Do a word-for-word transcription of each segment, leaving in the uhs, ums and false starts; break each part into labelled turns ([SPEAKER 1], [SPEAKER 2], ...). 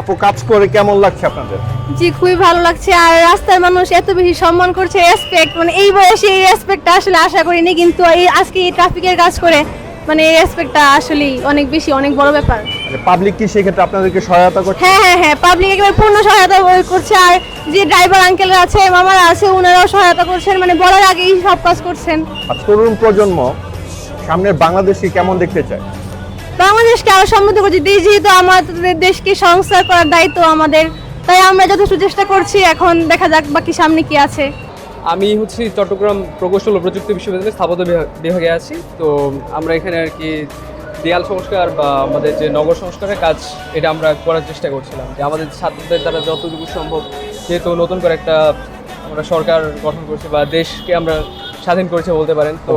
[SPEAKER 1] আপু কাজ করে কেমন লাগছে আপনাদের?
[SPEAKER 2] জি খুবই ভালো লাগছে। আর রাস্তার মানুষ এত বেশি সম্মান করছে, রেসপেক্ট, মানে এই বয়সে এই রেসপেক্টটা আসলে আশা করিনি, কিন্তু এই আজকে এই ট্রাফিকের কাজ করে মানে এই রেসপেক্টটা আসলে অনেক বেশি, অনেক বড় ব্যাপার।
[SPEAKER 1] মানে পাবলিক কি সেক্ষেত্রে আপনাদেরকে সহায়তা করছে?
[SPEAKER 2] হ্যাঁ হ্যাঁ হ্যাঁ, পাবলিক একেবারে পূর্ণ সহায়তা করছে। আর যে ড্রাইভার আঙ্কেলরা আছে, মামারা আছে, ওনারাও সহায়তা করছেন, মানে বলার আগেই সব কাজ করছেন।
[SPEAKER 1] আর তরুণ প্রজন্ম সামনের বাংলাদেশকে কেমন দেখতে চায়?
[SPEAKER 2] বাংলাদেশকে আরো সমৃদ্ধ করছে, দেশ যেহেতু আমাদের দেশকে সংস্কার করার দায়িত্ব আমাদের, তাই আমরা যথেষ্ট চেষ্টা করছি। এখন দেখা যাক বাকি সামনে কি আছে।
[SPEAKER 3] আমি হচ্ছে চট্টগ্রাম প্রকৌশল ও প্রযুক্তি বিশ্ববিদ্যালয়ের স্থাপত্য বিভাগে আছি। তো আমরা এখানে আর কি দেয়াল সংস্কার বা আমাদের যে নগর সংস্কারের কাজ, এটা আমরা করার চেষ্টা করছিলাম যে আমাদের ছাত্রদের দ্বারা যতটুকু সম্ভব, যেহেতু নতুন করে একটা আমরা সরকার গঠন করছি বা দেশকে আমরা স্বাধীন করেছি বলতে পারেন, তো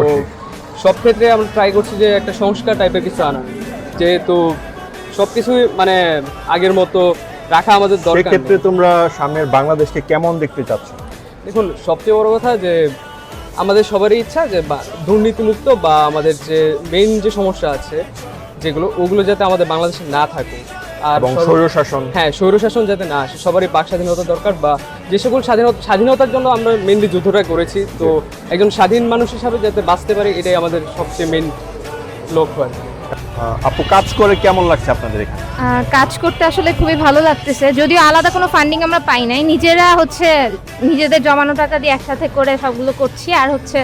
[SPEAKER 3] সব ক্ষেত্রে আমরা ট্রাই করছি যে একটা সংস্কার টাইপের কিছু আনা, যেহেতু সব কিছুই মানে আগের মতো রাখা আমাদের দরকার।
[SPEAKER 1] সেক্ষেত্রে তোমরা সামনের বাংলাদেশকে কেমন দেখতে চাচ্ছ?
[SPEAKER 3] দেখুন, সবচেয়ে বড় কথা যে আমাদের সবারই ইচ্ছা যে দুর্নীতিমুক্ত বা আমাদের যে মেইন যে সমস্যা আছে যেগুলো, ওগুলো যাতে আমাদের বাংলাদেশে না থাকে। আর
[SPEAKER 1] স্বৈরশাসন,
[SPEAKER 3] হ্যাঁ স্বৈরশাসন যাতে না আসে, সবারই বাক স্বাধীনতা দরকার। বা যে সকল স্বাধীনতা স্বাধীনতার জন্য আমরা মেইনলি যুদ্ধটা করেছি, তো একজন স্বাধীন মানুষ হিসাবে যাতে বাঁচতে পারে, এটাই আমাদের সবচেয়ে মেইন লক্ষ্য।
[SPEAKER 1] আপু কাজ করে কেমন লাগছে আপনাদের এখানে?
[SPEAKER 4] কাজ করতে আসলে খুবই ভালো লাগতেছে, যদিও আলাদা কোনো ফান্ডিং আমরা পাই নাই, নিজেরা হচ্ছে নিজেদের জমানো টাকা দিয়ে একসাথে করে সবগুলো করছি। আর হচ্ছে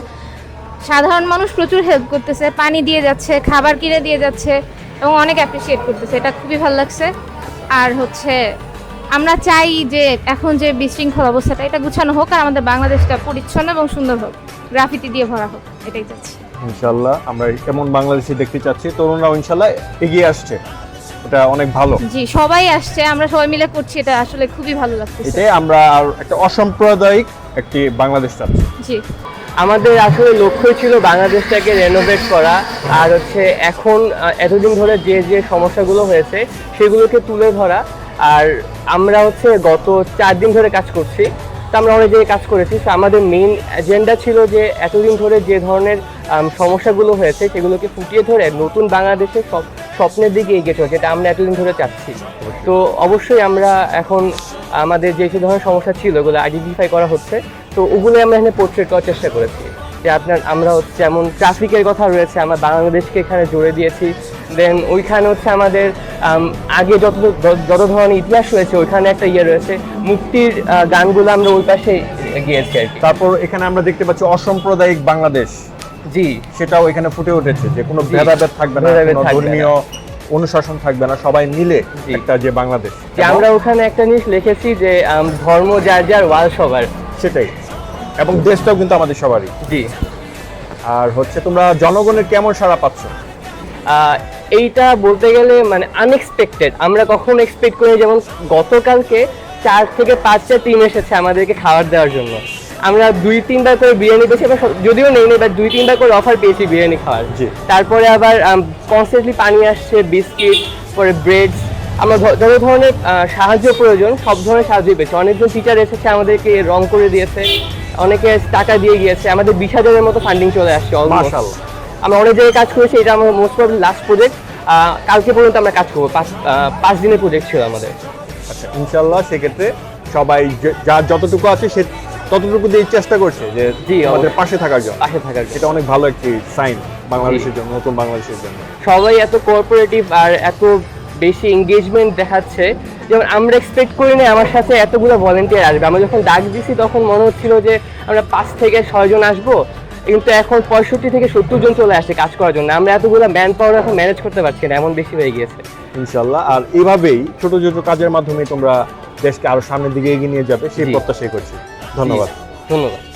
[SPEAKER 4] সাধারণ মানুষ প্রচুর হেল্প করতেছে, পানি দিয়ে যাচ্ছে, খাবার কিনে দিয়ে যাচ্ছে এবং অনেক অ্যাপ্রিসিয়েট করতেছে, এটা খুবই ভালো লাগছে। আর হচ্ছে আমরা চাই যে এখন যে বিশৃঙ্খল অবস্থাটা, এটা গুছানো হোক আর আমাদের বাংলাদেশটা পরিচ্ছন্ন এবং সুন্দর হোক, গ্রাফিতি দিয়ে ভরা হোক, এটাই চাচ্ছি।
[SPEAKER 1] ইনশাআল্লাহ আমরা কেমন বাংলাদেশে দেখতে চাচ্ছি, তরুণরাও ইনশাআল্লাহ এগিয়ে আসছে, এটা অনেক ভালো।
[SPEAKER 4] জি সবাই আসছে, আমরা সবাই মিলে করছি, এটা আসলে খুবই ভালো লাগছে।
[SPEAKER 1] এটাই আমরা আর একটা অসাম্প্রদায়িক একটি বাংলাদেশ চাচ্ছি।
[SPEAKER 4] জি
[SPEAKER 5] আমাদের আসলে লক্ষ্য ছিল বাংলাদেশটাকে রেনোভেট করা, আর হচ্ছে এখন এতদিন ধরে যে যে সমস্যাগুলো হয়েছে সেগুলোকে তুলে ধরা। আর আমরা হচ্ছে গত চার দিন ধরে কাজ করছি, তো আমরা অনেক জায়গায় কাজ করেছি। তো আমাদের মেইন এজেন্ডা ছিল যে এতদিন ধরে যে ধরনের সমস্যাগুলো হয়েছে সেগুলোকে ফুটিয়ে ধরে নতুন বাংলাদেশের সব স্বপ্নের দিকে এগিয়ে চলে, যেটা আমরা এতদিন ধরে চাচ্ছি। তো অবশ্যই আমরা এখন আমাদের যে যে ধরনের সমস্যা ছিল ওগুলো আইডেন্টিফাই করা হচ্ছে, তো ওগুলো আমরা এখানে পোর্ট্রেট করার চেষ্টা করেছি। যে আপনার আমরা হচ্ছে যেমন ট্রাফিকের কথা রয়েছে, আমরা বাংলাদেশকে এখানে জুড়ে দিয়েছি। দেন ওইখানে হচ্ছে আমাদের আগে যত যত ধরনের ইতিহাস রয়েছে ওইখানে একটা ইয়ে রয়েছে, মুক্তির গানগুলো আমরা ওই পাশে গিয়েছি আর কি।
[SPEAKER 1] তারপর এখানে আমরা দেখতে পাচ্ছি অসাম্প্রদায়িক বাংলাদেশ,
[SPEAKER 5] জি
[SPEAKER 1] সেটাও এখানে ফুটে উঠেছে, যে কোনো ভেদাভেদ থাকবে না, কোনো ধর্মীয় অনুশাসন থাকবে না, সবাই মিলে একটা যে বাংলাদেশ।
[SPEAKER 5] আমরা ওখানে একটা জিনিস লিখেছি যে ধর্ম যার যার, ওয়াল সবার,
[SPEAKER 1] সেটাই, এবং দেশটাও কিন্তু আমাদের সবারই।
[SPEAKER 5] জি।
[SPEAKER 1] আর হচ্ছে তোমরা জনগণের কেমন সাড়া পাচ্ছ?
[SPEAKER 5] এইটা বলতে গেলে মানে আনএক্সপেক্টেড, আমরা কখনো এক্সপেক্ট করিনি। যেমন গতকালকে চার থেকে পাঁচটা টিম এসেছে আমাদেরকে খাবার দেওয়ার জন্য, আমরা দুই তিনবার করে বিরিয়ানি পেয়েছি, যদিও নেই নেই বাট দুই তিনবার করে অফার পেয়েছি বিরিয়ানি খাওয়ার। তারপরে আবার কনস্ট্যান্টলি পানি আসছে, বিস্কিট, পরে ব্রেড, আমরা যত ধরনের সাহায্য প্রয়োজন সব ধরনের সাহায্যই পেয়েছি। অনেকজন টিচার এসেছে আমাদেরকে রং করে দিয়েছে, অনেকে টাকা দিয়ে গিয়েছে, আমাদের বিশ হাজারের মতো ফান্ডিং চলে আসছে অলমোস্ট। আমরা অনেক জায়গায় কাজ করেছি, এটা আমার মোস্ট প্রবলি লাস্ট প্রজেক্ট, কালকে পর্যন্ত আমরা কাজ করবো, পাঁচ পাঁচ দিনের প্রজেক্ট ছিল আমাদের।
[SPEAKER 1] আচ্ছা ইনশাআল্লাহ সেক্ষেত্রে সবাই যার যতটুকু আছে সে ততটুকু দিয়ে চেষ্টা করছে যে
[SPEAKER 5] জি
[SPEAKER 1] আমাদের পাশে থাকার জন্য,
[SPEAKER 5] পাশে থাকার জন্য।
[SPEAKER 1] এটা অনেক ভালো একটি সাইন বাংলাদেশের জন্য, নতুন বাংলাদেশের জন্য।
[SPEAKER 5] সবাই এত কোঅপারেটিভ আর এত বেশি এঙ্গেজমেন্ট দেখাচ্ছে, যেমন আমরা এক্সপেক্ট করি না আমার সাথে এতগুলো ভলেন্টিয়ার আসবে। আমরা যখন ডাক দিছি তখন মনে হচ্ছিল যে আমরা পাঁচ থেকে ছয় জন আসবো, কিন্তু এখন পঁয়ষট্টি থেকে সত্তর জন চলে আসছে কাজ করার জন্য। আমরা এতগুলো ম্যান পাওয়ার এখন ম্যানেজ করতে পারছি না, এমন বেশি হয়ে গিয়েছে।
[SPEAKER 1] ইনশাআল্লাহ আর এভাবেই ছোট ছোট কাজের মাধ্যমে তোমরা দেশকে আরো সামনের দিকে এগিয়ে নিয়ে যাবে সেই প্রত্যাশাই করছি। ধন্যবাদ।
[SPEAKER 5] ধন্যবাদ।